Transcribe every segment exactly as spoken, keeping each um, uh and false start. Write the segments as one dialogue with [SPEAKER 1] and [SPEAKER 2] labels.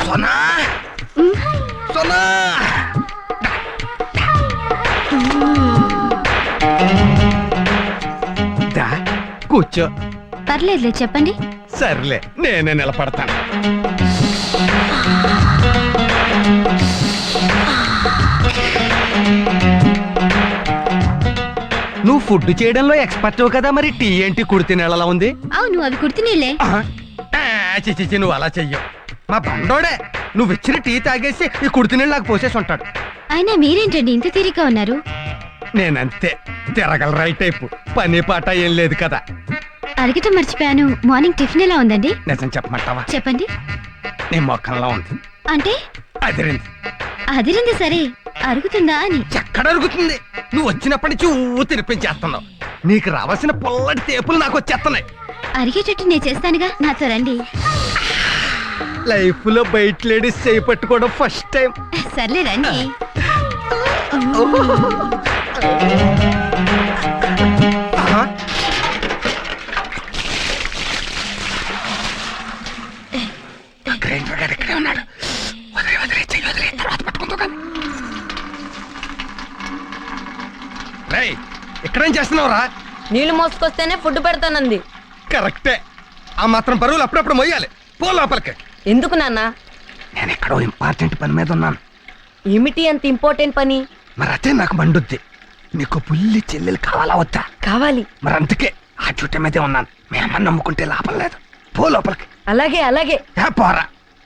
[SPEAKER 1] సోనా సోనా దా కూర్చో.
[SPEAKER 2] పర్లేదులే, చెప్పండి.
[SPEAKER 1] సర్లే, నేనే నిలబడతాను. నువ్వు ఫుడ్ చేయడంలో ఎక్స్పర్ట్ కదా, మరి టీ ఏంటి కుడితి నీళ్ళలా ఉంది?
[SPEAKER 2] అవును, అవి కుడితి నీళ్ళే.
[SPEAKER 1] చిచి, నువ్వు అలా చెయ్యవు. మా బండోడే నువ్వు ఇచ్చిన టీ తాగేసి ఈ కుడితి నీళ్ళు నాకు పోసేసి ఉంటాడు.
[SPEAKER 2] అయినా మీరేంటండి ఇంత తీరిగ్గా ఉన్నారు?
[SPEAKER 1] నేనంతే, తిరగల రైట్ టైపు, పని పాట ఏం లేదు కదా.
[SPEAKER 2] అడగటం మర్చిపోయాను, మార్నింగ్ టిఫిన్ ఎలా ఉందండి?
[SPEAKER 1] నిజం చెప్పమంటావా?
[SPEAKER 2] చెప్పండి.
[SPEAKER 1] నీ మొక్కల్లో ఉంది.
[SPEAKER 2] అంటే
[SPEAKER 1] అదిరింది.
[SPEAKER 2] అదిరింది సరే, అరుగుతుందా అని.
[SPEAKER 1] ఎక్కడ అరుగుతుంది? నువ్వు వచ్చినప్పటి నుంచి ఊ తినిపించేస్తున్నావు. నీకు రావాల్సిన పొల్లటి తేపులు నాకు వచ్చేస్తున్నాయి.
[SPEAKER 2] అరిగేటట్టు నేను చేస్తానుగా, నాతో రండి.
[SPEAKER 1] లైఫ్ లో బయట లేడీస్ చేయి పట్టుకోవడం ఫస్ట్ టైం.
[SPEAKER 2] సర్లే రండి.
[SPEAKER 1] ఇక్కడే ఉన్నాడు. వదిలే వదిలే చెయ్యి వదిలే, తర్వాత పట్టుకుంటూ కానీ. రేయ్, ఇక్కడేం చేస్తున్నావురా?
[SPEAKER 3] నీళ్లు మోసుకొస్తేనే ఫుడ్ పెడతానంది.
[SPEAKER 1] కరెక్టే. ఆ మాత్రం బరువులు అప్పుడప్పుడు మొయ్యాలి. పో లోపలికి.
[SPEAKER 3] ఎందుకు నాన్న?
[SPEAKER 1] నేను ఎక్కడో ఇంపార్టెంట్ పని మీద ఉన్నాను.
[SPEAKER 3] ఏమిటి అంత ఇంపార్టెంట్ పని?
[SPEAKER 1] మరి అదే నాకు మండుద్ది. నీకు పుల్లి చెల్లెలు కావాలా వద్దా?
[SPEAKER 3] కావాలి.
[SPEAKER 1] మరి అందుకే ఆ చుట్ట మీదే ఉన్నాను. మీ అమ్మ నమ్ముకుంటే లాభం లేదు. పో లోపలికి.
[SPEAKER 3] అలాగే అలాగే.
[SPEAKER 1] పోరా.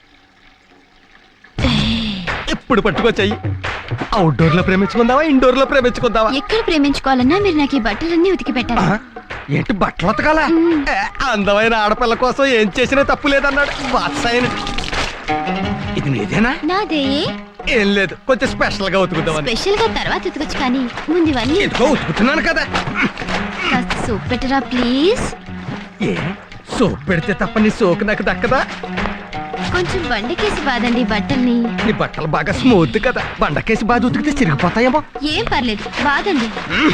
[SPEAKER 1] ఇప్పుడు పట్టుకో చెయ్యి. అవుట్డోర్ లో ప్రేమించుకుందావా, ఇండోర్ లో ప్రేమించుకుందావా?
[SPEAKER 2] ఎక్కడ ప్రేమించుకోవాలన్నా మీరు నాకు ఈ బట్టలన్నీ ఉతికి పెట్టాలి.
[SPEAKER 1] ఏంటి బట్టలు ఉతకాలా? అందమైన ఆడపిల్ల కోసం ఏం చేసినా తప్పు లేదన్నాడు వాత్సాయన. ఇది నీదేనా?
[SPEAKER 2] నాదే.
[SPEAKER 1] ఏం లేదు, కొంచెం స్పెషల్ గా ఉతుకుతావని.
[SPEAKER 2] స్పెషల్ గా తర్వాత ఉతకొచ్చు, కానీ ముందు ఇవన్నీ
[SPEAKER 1] ఎందుకో ఉతుకుతున్నాను కదా.
[SPEAKER 2] కాస్త సూప్ పెట్టరా ప్లీజ్.
[SPEAKER 1] ఏ సోప్ పెడితే తప్ప నీ సోకు నాకు దక్కదా?
[SPEAKER 2] కొంచెం బండకేసి బాదండి బట్టల్ని.
[SPEAKER 1] నీ బట్టలు బాగా స్మూత్ కదా, బండకేసి బాగా ఉతికితే చిరిగిపోతాయేమో.
[SPEAKER 2] ఏం పర్లేదు, బాదండి.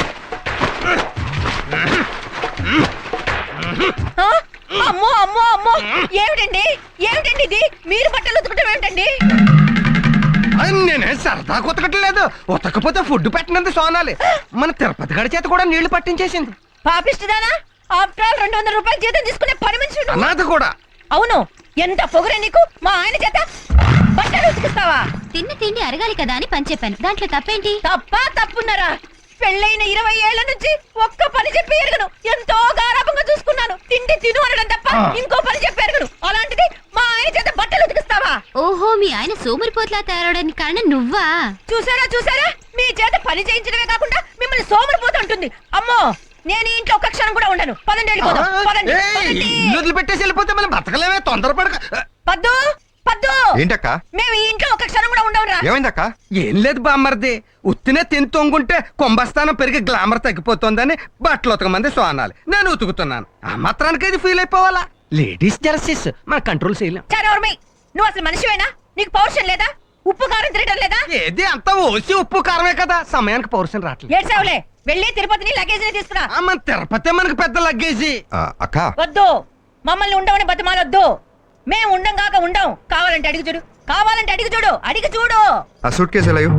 [SPEAKER 3] అమ్మో అమ్మో అమ్మో, ఏమిటండి ఏమిటండి ఇది? మీరు బట్టలు ఉతకటం ఏమిటండి?
[SPEAKER 1] నేనే సరదా ఉతకట్లేదు. ఉతకపోతే ఫుడ్ పెట్టినందుకు సోనాలి. మన తిరుపతి గడి చేత కూడా నీళ్లు పట్టించేసింది.
[SPEAKER 3] పాపిస్తుందానా? ఆఫ్టర్ ఆల్ రెండు వందల రూపాయలు జీతం తీసుకునే పని మనిషి
[SPEAKER 1] అనాథ కూడా.
[SPEAKER 3] అవును, ఎంత పొగరే నీకు. మా ఆయన చేత బట్టలు ఉతుకుతావా?
[SPEAKER 2] తిన్న తిండి అరగాలి కదా అని పని చెప్పాను, దాంట్లో తప్పేంటి?
[SPEAKER 3] తప్పా తప్పున్నారా? పెళ్ళైన ఇరవై ఏళ్ల నుంచి ఒక్క పని చెప్పి ఎరగను. ఎంతో గారాభంగా చూసుకున్నాను. తిండి తిను అనడం తప్ప ఇంకో పని చెప్పి ఎరగను. అలాంటిది మా ఆయన చేత బట్టలు ఉతికిస్తావా?
[SPEAKER 2] ఓహో, మీ ఆయన సోమరిపోతులా తయారవడానికి కారణం నువ్వా?
[SPEAKER 3] చూసారా చూసారా, మీ చేత పని చేయించడమే కాకుండా మిమ్మల్ని సోమరిపోతూ ఉంటుంది. అమ్మో, నేను ఇంట్లో ఒక్క క్షణం కూడా ఉండను. పదండి వెళ్ళిపోదాం. పదండి, పదండి.
[SPEAKER 1] ఇల్లు పెట్టేసి వెళ్ళిపోతే మనం బతకలేమే, తొందరపడక.
[SPEAKER 3] పద్దు పద్దు,
[SPEAKER 4] ఏంటక్క?
[SPEAKER 3] మేము ఈ ఇంట్లో ఒక్క క్షణం కూడా ఉండవురా.
[SPEAKER 4] ఏమైందక్క?
[SPEAKER 1] ఏం లేదు బామ్మర్ది, ఉత్తినే తిని తొంగుంటే కుంభస్థానం పెరిగి గ్లామర్ తగ్గిపోతుందని బట్టలు ఉతకమంది సోనాలి. నేను ఉతుకుతున్నాను. ఆ మాత్రానికి ఇది ఫీల్ అయిపోవాలా? లేడీస్ జెర్సీస్ మన కంట్రోల్ చేయలేం.
[SPEAKER 3] చరవర్మి, నువ్వు అసలు మనిషివేనా? నీకు పౌరుషం లేదా? ఉప్పు కారం తినడం లేదా?
[SPEAKER 1] ఏది అంతా ఓసి ఉప్పు కారమే కదా, సమయానికి పౌరుషం రావట్లేదు.
[SPEAKER 3] ఏడ్చావులే, వెళ్ళి తిరుపతిని లగేజ్ తీసుకురా.
[SPEAKER 1] ఆ, మన తిరుపతి మనకు పెద్ద లగ్గేజీ.
[SPEAKER 4] ఆ, అక్క
[SPEAKER 3] వద్దు, మమ్మల్ని ఉండవని బతిమాలొద్దు. మేము ఉండం కాక ఉండం. కావాలంటే అడిగి చూడు, కావాలంటే అడిగి చూడు, అడిగి చూడు.
[SPEAKER 4] ఆ సూట్ కేసు ఎలా?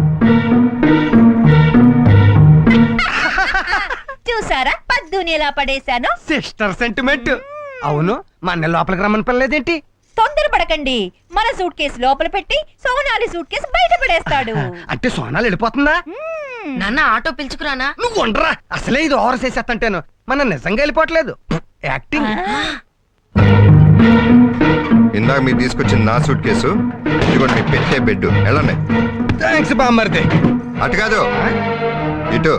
[SPEAKER 3] చూసారా పద్దుని ఎలా పడేశాను?
[SPEAKER 1] Sister sentiment. అవును, మన లోపలికి రమ్మని పర్లేదేంటి?
[SPEAKER 3] తొందరపడకండి. మన సూట్ కేసు లోపల పెట్టి సోనాలి సూట్ కేసు బయట పడేస్తాడు.
[SPEAKER 1] అంటే సోనాలు వెళ్ళిపోతుందా?
[SPEAKER 3] నాన్న ఆటో పిలుచుకురానా?
[SPEAKER 1] నువ్వు ఉండరా, అసలే ఇది ఓవర్ చేసేస్తంటాను. మన నిజంగా వెళ్ళిపోవట్లేదు, యాక్టింగ్.
[SPEAKER 4] ఇందాక మీరు తీసుకొచ్చిన నా సూట్ కేసు, ఇదిగోండి మీ పెట్టే బెడ్. వెళ్ళండి.
[SPEAKER 1] థ్యాంక్స్ బామ్మర్ది.
[SPEAKER 4] అటు కాదు, ఇటు.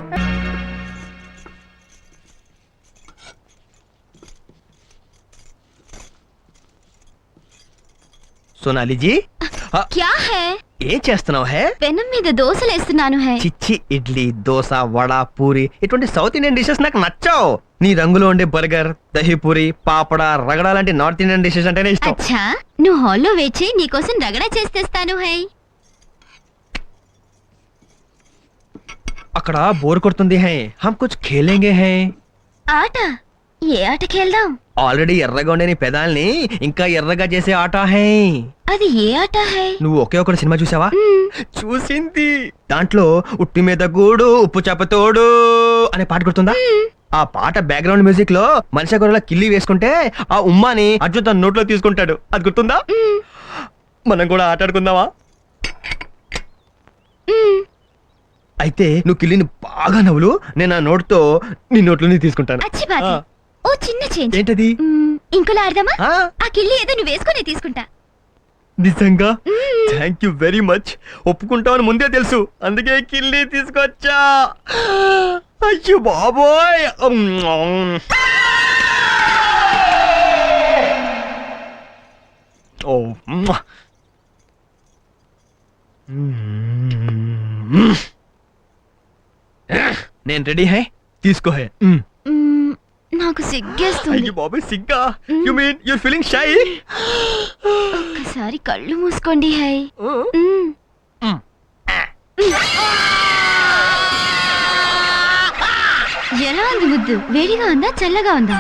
[SPEAKER 1] సోనాలి జీ,
[SPEAKER 2] క్యా హై?
[SPEAKER 1] ఏం చేస్తున్నావు? హే,
[SPEAKER 2] పెనం మీద దోశలు వేస్తున్నాను. హై
[SPEAKER 1] చిచ్చి, ఇడ్లీ, దోశ, వడ, పూరి ఇటువంటి సౌత్ ఇండియన్ డిషెస్ నాకు నచ్చావు. నీ రంగులో ఉండే బర్గర్, దహీపూరి, పాపడ, రగడ లాంటి నార్త్ ఇండియన్ డిషెస్ అంటేనే ఇష్టం.
[SPEAKER 2] అచ్చా, నువ్వు హాల్లో వేచి నీకోసం రగడ చేస్తేస్తాను. హై,
[SPEAKER 1] అక్కడ బోర్ కొడుతుంది. హై, హమ్ కుచ్ ఖేలేంగే. హై,
[SPEAKER 2] ఆట ఏ ఆటకి వెళ్దాం?
[SPEAKER 5] ఆల్రెడీ ఎర్రగా ఉండే నీ పెదాల్ని ఇంకా ఎర్రగా చేసే ఆట హై.
[SPEAKER 2] అది ఏ ఆట హై?
[SPEAKER 5] నువ్వు ఒకే ఒక సినిమా చూసావా? చూసింది. దాంట్లో ఉట్టి మీద గూడు ఉప్పు చేపతోడు అనే పాట గుర్తుందా? ఆ పాట బ్యాక్గ్రౌండ్ మ్యూజిక్ లో మనిషి గొర్రెల కిల్లి వేసుకుంటే ఆ ఉమ్మాని అర్జున్ తన నోట్లో తీసుకుంటాడు. అది గుర్తుందా? మనం కూడా ఆట ఆడుకుందామా? అయితే నువ్వు కిల్లిని బాగా నవ్వులు, నేను ఆ నోట్తో నీ నోట్లోని తీసుకుంటాను.
[SPEAKER 2] అచ్చి బాధ.
[SPEAKER 5] ఆ.
[SPEAKER 2] ఓ చిన్న చేంజ్.
[SPEAKER 5] ఏంటది?
[SPEAKER 2] మ్మ్, ఇంకోలా ఆడదామా?
[SPEAKER 5] ఆ,
[SPEAKER 2] ఆ కిల్లి ఏదో నువ్వు వేసుకుని తీసుకుంటా.
[SPEAKER 5] నిజంగా థ్యాంక్ యూ వెరీ మచ్. ఒప్పుకుంటావని ముందే తెలుసు, అందుకే కిల్లి తీసుకొచ్చా. అయ్యో బాబోయ్. ఓ మ్మ. నేను రెడీ హై, తీసుకో హై. మ్మ్.
[SPEAKER 2] మ్మ్, నాకు సిగ్గేస్తుంది.
[SPEAKER 5] అయ్యో బాబోయ్ సిగ్గా? You mean your feeling shy?
[SPEAKER 2] ఒక్కసారి కళ్ళు మూసుకోండి హై. మ్మ్. ఎలా ఉంది ముద్దు? వేడిగా ఉందా చల్లగా ఉందా?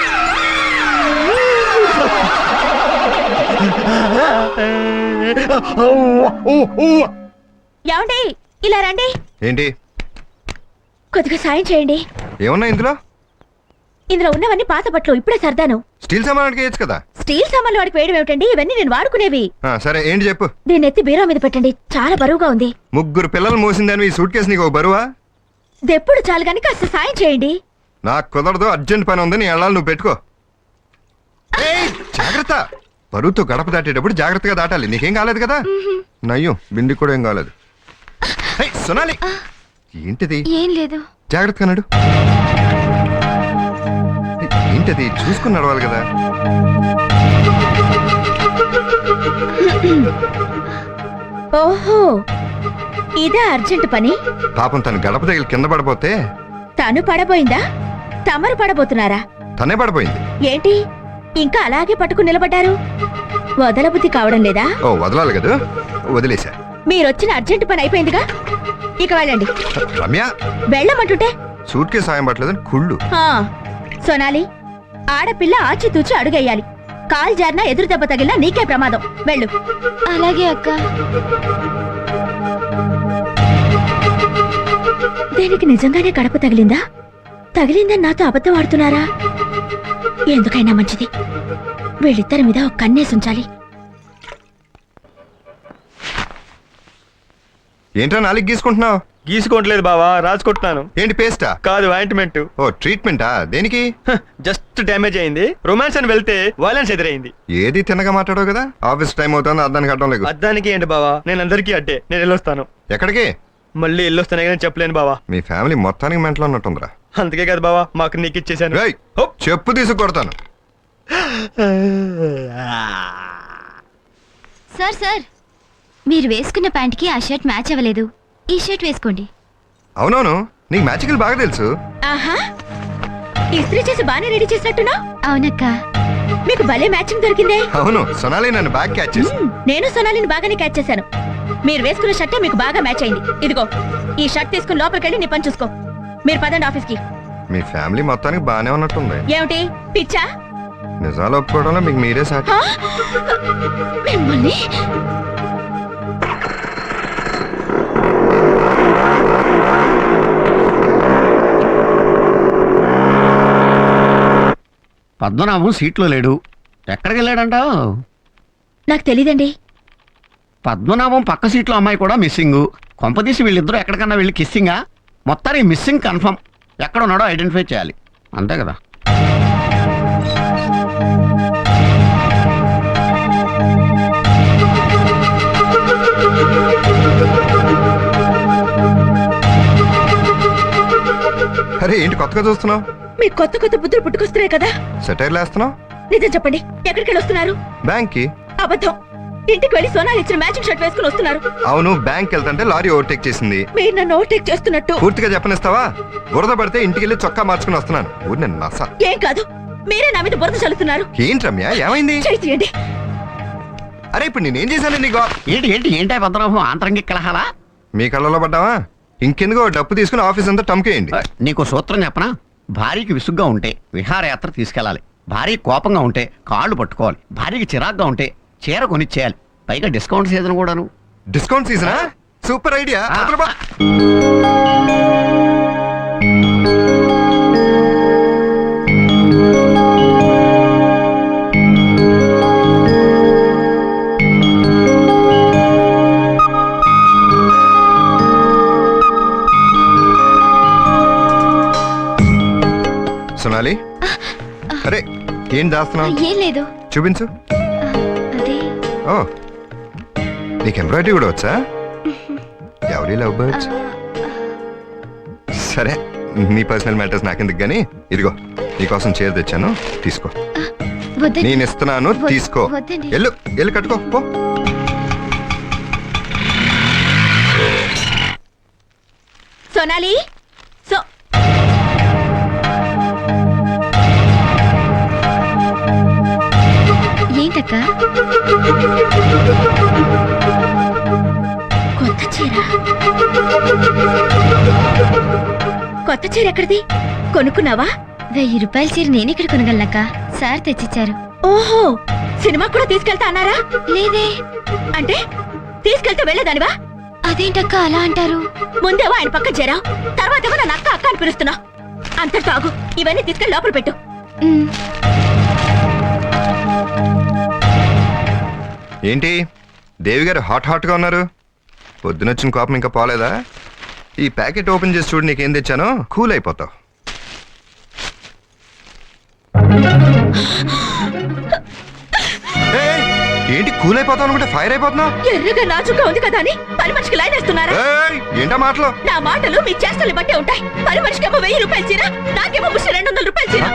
[SPEAKER 3] ఏమండి ఇలా రండి,
[SPEAKER 4] ఏంటి
[SPEAKER 3] కొద్దిగా సాయం చేయండి.
[SPEAKER 4] ఏమన్నా ఇందులో?
[SPEAKER 3] ఇందులో ఉన్నవన్నీ పాత బట్టలు, ఇప్పుడే సర్దాను.
[SPEAKER 4] స్టీల్ సామాన్కి వేయచ్చు కదా.
[SPEAKER 3] స్టీల్ సామాన్లు వాడికి వేయడం ఏమిటండి? ఇవన్నీ నేను వాడుకునేవి.
[SPEAKER 4] ఆ, సరే ఏంటి చెప్పు.
[SPEAKER 3] దీన్ని ఎత్తి బీరో మీద పెట్టండి, చాలా బరువుగా ఉంది.
[SPEAKER 4] ముగ్గురు పిల్లలు మోసిందని ఈ సూట్ కేసు నీకు ఒక బరువా?
[SPEAKER 3] దెప్పుడు చాలు గాని కాస్త సాయం చేయండి.
[SPEAKER 4] నాకు కుదరదు, అర్జెంట్ పని ఉంది, నీ వెళ్ళాలి, నువ్వు పెట్టుకో. ఏయ్, జాగ్రత్త. బరువుతో గడప దాటేటప్పుడు జాగ్రత్తగా దాటాలి. నీకేం కాలేదు కదా? నయ్యో, బిండి కూడా ఏం కాలేదు. ఏయ్, సొనాలి, ఏంటిది?
[SPEAKER 2] ఏం లేదు.
[SPEAKER 4] జాగ్రత్తగా నడు. ఏయ్, ఏంటది? చూసుకుని నడవాలి కదా.
[SPEAKER 3] ఓహో, ఇదే అర్జెంట్ పని.
[SPEAKER 4] పాపం తను గడప దగ్గర కింద పడిపోతే
[SPEAKER 3] తను పడబోయిందా? తమరు పడబోతున్నారా?
[SPEAKER 4] తనే పడిపోయింది.
[SPEAKER 3] ఏంటి ఇంకా అలాగే పట్టుకుని నిలబడ్డారు? వదలబుద్ధి కావడం లేదా?
[SPEAKER 4] ఓ, వదలాలి కదా, వదిలేశా.
[SPEAKER 3] మీరొచ్చిన అర్జెంట్ పని అయిపోయిందిగా, ఇక వెళ్ళండి.
[SPEAKER 4] రమ్య,
[SPEAKER 3] వెళ్ళమంటుంటే
[SPEAKER 4] సూట్ కేసు సాయం పట్టలేదని కుళ్ళు.
[SPEAKER 3] ఆ, సోనాలి, ఆడపిల్ల ఆచితూచి అడుగేయాలి. కాల్ జారినా ఎదురు దెబ్బ తగిలినా నీకే ప్రమాదం. వెళ్ళు.
[SPEAKER 2] అలాగే అక్క.
[SPEAKER 3] దీనికి నిజంగానే గడప తగిలిందా? తగిలిందని నాతో అబద్ధం ఆడుతున్నారా? ఎందుకైనా మంచిది, వీళ్ళిద్దరి మీద ఒక కన్నేసి ఉంచాలి.
[SPEAKER 4] ఏంట్రా నాలుగు గీసుకుంటున్నావు?
[SPEAKER 5] గీసుకోవట్లేదు బావా, రాసుకుంటున్నాను.
[SPEAKER 4] ఏంటి, పేస్టా?
[SPEAKER 5] కాదు, ఆయింట్మెంట్.
[SPEAKER 4] ఓ, ట్రీట్మెంటా? దేనికి?
[SPEAKER 5] జస్ట్ డ్యామేజ్ అయింది. రొమాన్స్ అని వెళ్తే వైలెన్స్ ఎదురైంది.
[SPEAKER 4] ఏది తిన్నగా మాట్లాడవు కదా. ఆఫీస్ టైం అవుతుంది, అర్థానికి అడ్డం లేదు.
[SPEAKER 5] అద్దానికి ఏంటి బావా, నేను అందరికీ అడ్డే. నేను వెళ్ళొస్తాను.
[SPEAKER 4] ఎక్కడికి?
[SPEAKER 5] మళ్ళీ వెళ్ళొస్తానే కానీ చెప్పలేను బావా.
[SPEAKER 4] మీ ఫ్యామిలీ మొత్తానికి మెంటలో ఉన్నట్టుందిరా.
[SPEAKER 5] అందుకే కదా బావా మాకు నీకు ఇచ్చేసాను.
[SPEAKER 4] రేయ్, చెప్పు తీసుకొడతాను.
[SPEAKER 2] సార్ సార్, మీరు వేసుకున్న ప్యాంట్కి ఆ షర్ట్ మ్యాచ్ అవ్వలేదు. ఈ షర్ట్ వేసుకోండి.
[SPEAKER 4] అవునవును, నీకు మ్యాజికల్ బాగా తెలుసు.
[SPEAKER 3] ఆహా, ఇస్త్రీ చేసి బానే రెడీ చేసినట్టున్నా.
[SPEAKER 2] అవునక్క.
[SPEAKER 3] మీకు భలే మ్యాచింగ్ దొరికిందే.
[SPEAKER 4] అవును, సొనాలి నన్ను బ్యాగ్ క్యాచ్ చేసి.
[SPEAKER 3] మ్మ్, నేను సోనాలిని బాగానే క్యాచ్ చేశాను. మీరు వేసుకున్న షర్టే మీకు బాగా మ్యాచ్ అయింది. ఇదిగో ఈ షర్ట్ తీసుకుని లోపలికి వెళ్ళి నీ పని చూసుకో. మీరు పదండి ఆఫీస్కి.
[SPEAKER 4] మీ ఫ్యామిలీ మొత్తానికి బానే ఉన్నట్టుంది.
[SPEAKER 3] ఏమిటి పిచ్చా?
[SPEAKER 4] నిజాలు ఒప్పుకోవడంలో మీకు మీరే సాటి.
[SPEAKER 3] ఆ? మిమ్మల్ని
[SPEAKER 6] పద్మనాభం సీట్లో లేడు. ఎక్కడికి వెళ్ళాడంటావు?
[SPEAKER 3] నాకు తెలీదండి.
[SPEAKER 6] పద్మనాభం పక్క సీట్లో అమ్మాయి కూడా మిస్సింగ్. కొంపదీసి వీళ్ళిద్దరూ ఎక్కడికన్నా వెళ్ళి కిస్సింగా? మొత్తానికి మిస్సింగ్ కన్ఫర్మ్. ఎక్కడ ఉన్నాడో ఐడెంటిఫై చేయాలి, అంతే కదా.
[SPEAKER 4] అరే, ఏంటి కొత్తగా చూస్తున్నావు?
[SPEAKER 3] మీకు కొత్త కొత్త బుద్ధులు పుట్టుకొస్తున్నాయి కదా.
[SPEAKER 4] సెటైర్లు వేస్తున్నావు?
[SPEAKER 3] నిజం చెప్పండి, ఎక్కడికి వెళ్ళి వస్తున్నారు?
[SPEAKER 4] బ్యాంక్ కి.
[SPEAKER 3] అబద్ధం. ఇంటికి వెళ్ళి సోనాలి ఇచ్చిన మ్యాచింగ్ షర్ట్ వేసుకుని వస్తున్నారు.
[SPEAKER 4] అవును, బ్యాంక్ వెళ్తుంటే లారీ ఓవర్టేక్ చేసింది.
[SPEAKER 3] మీరు నన్ను ఓవర్టేక్ చేస్తున్నట్టు.
[SPEAKER 4] పూర్తిగా చెప్పనిస్తావా? బురద పడితే ఇంటికి వెళ్ళి చొక్కా మార్చుకుని వస్తున్నాను. ఊరి నేను నస.
[SPEAKER 3] ఏం కాదు, మీరే నా మీద బురద చల్లుతున్నారు.
[SPEAKER 4] ఏంటి రమ్య, ఏమైంది?
[SPEAKER 3] చేయి తీయండి.
[SPEAKER 4] అరే, ఇప్పుడు నేనేం చేశాను నీకు?
[SPEAKER 6] ఏంటి ఏంటి ఏంటి పద్మనాభం ఆంతరంగిక కలహాలా?
[SPEAKER 4] మీ కళ్ళలో పడ్డావా? ఇంకెందుకో డప్పు తీసుకుని ఆఫీస్ అంతా టమ్కేయండి.
[SPEAKER 6] నీకు సూత్రం చెప్పనా? భార్యకి విసుగ్గా ఉంటే విహారయాత్ర తీసుకెళ్ళాలి. భార్య కోపంగా ఉంటే కాళ్ళు పట్టుకోవాలి. భార్యకి చిరాగ్గా ఉంటే చీర కొనిచ్చేయాలి. పైగా డిస్కౌంట్ సీజన్ కూడాను.
[SPEAKER 4] డిస్కౌంట్ సీజనా? Super idea.
[SPEAKER 6] ఆ.
[SPEAKER 4] అదరబా. సోనాలి, అరే ఏం దాస్తున్నావు?
[SPEAKER 2] ఏం లేదు.
[SPEAKER 4] చూపించు.
[SPEAKER 2] అదే
[SPEAKER 4] ఓ, నీకు ఎంబ్రాయిడరీ కూడా వచ్చా? ఎవరి లవ్ బర్డ్స్? సరే, నీ పర్సనల్ మ్యాటర్స్ నాకెందుకు గానీ, ఇదిగో నీకోసం చీర తెచ్చాను, తీసుకో.
[SPEAKER 2] వద్దండి.
[SPEAKER 4] నేను ఇస్తున్నాను,
[SPEAKER 2] వద్దు-
[SPEAKER 4] తీసుకో.
[SPEAKER 2] వద్దండి.
[SPEAKER 4] ఎల్లు ఎల్లు కట్టుకో పో.
[SPEAKER 3] సోనాలి, సో
[SPEAKER 2] ఏంటక్క?
[SPEAKER 3] కొత్త చీర కొత్త చీర ఎక్కడిది? కొనుక్కున్నావా?
[SPEAKER 2] వెయ్యి రూపాయల చీర నేనెక్కడ కొనగలనక్క? సార్ తెచ్చిచ్చారు.
[SPEAKER 3] ఓహో, సినిమా కూడా తీసుకెళ్తా అన్నారా?
[SPEAKER 2] లేదే.
[SPEAKER 3] అంటే తీసుకెళ్తే వెళ్ళేదానివా?
[SPEAKER 2] అదేంటక్క అలా అంటారు?
[SPEAKER 3] ముందేమో ఆయన పక్క చేరావు, తర్వాత ఏమో నన్ను అక్క అక్క అని పిలుస్తున్నా. అంతటితో ఆగు, ఇవన్నీ తీసుకెళ్ళి లోపల పెట్టు.
[SPEAKER 2] ఉమ్,
[SPEAKER 4] ఏంటి దేవి గారు హాట్ హాట్ గా ఉన్నారు? పొద్దునొచ్చిన కోపం ఇంకా పోలేదా? ఈ ప్యాకెట్ ఓపెన్ చేసి చూడు, నీకేం తెచ్చానో. కూల్ అయిపోతావు. ఏయ్, ఏంటి కూల్ అయిపోతావు అనుకుంటే ఫైర్ అయిపోతున్నావు?
[SPEAKER 3] ఎర్రగా నాచుగా ఉంది కదా అని పని మనిషికి లైన్ వేస్తున్నారా?
[SPEAKER 4] ఏయ్, ఏంటా మాటలు?
[SPEAKER 3] నా మాటలు మీ చేష్టలు బట్టే ఉంటాయి. పని మనిషికేమో వెయ్యి రూపాయలు చీర, నాకేమో ముష్టి రెండు వందల రూపాయలు చీర.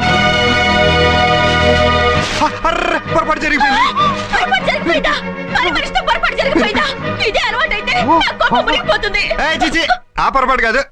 [SPEAKER 4] హ, అర్ర, పొరపాటు జరిగిపోయింది.
[SPEAKER 3] పొరపాటు జరిగిపోయిందా? పని మనిషితో పొరపాటు జరిగిపోయిందా? ఇదే అలవాటైతే నా కోపం మునిగిపోతుంది.
[SPEAKER 4] ఏయ్, చిచి, ఆ పొరపాటు కాదు.